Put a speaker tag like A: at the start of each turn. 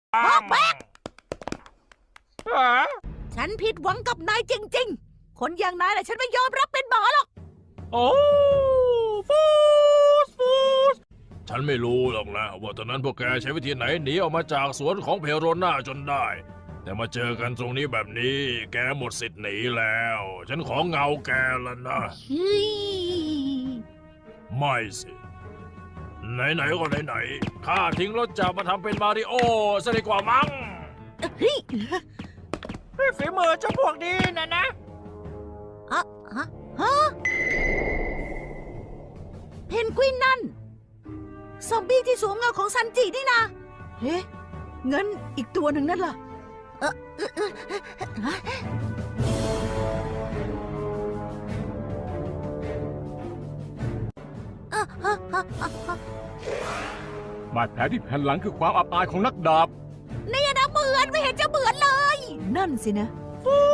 A: พ่อแป๊ก
B: ฮะ
A: ฉันผิดหวังกับนายจริงๆ คนอย่างนายแหละฉันไม่ยอมรับเป็นหมอหรอก
B: โอ้ฟูสฉันไม่รู้หรอกนะว่าตอนนั้นพวกแกใช้วิธีไหนหนีออกมาจากสวนของเพโรน่าจนได้ แต่มาเจอกันตรงนี้แบบนี้ แกหมดสิทธิ์หนีแล้ว ฉันขอเงาแกแล้วนะ
A: เฮ้ย
B: ไม่สิ ไหนๆก็ไหนๆข้าทิ้งรถจักรมาทำเป็นมาริโอซะดีกว่ามั้ง
A: เฮ้ย
C: ฝีมือเจ้าพวกนี้นะ
A: ฮะเพนกวินนั่น ซอมบี้ที่สวมเงาของซันจินี่นะเฮ้งั้นอีกตัวหนึ่งนั่นล่ะ
D: บาดแผลที่แผ่นหลังคือความอับอายของนักดาบ
A: นี่นะเหมือนไม่เห็นจะเหมือนเลย นั่นสินะ
B: ฟู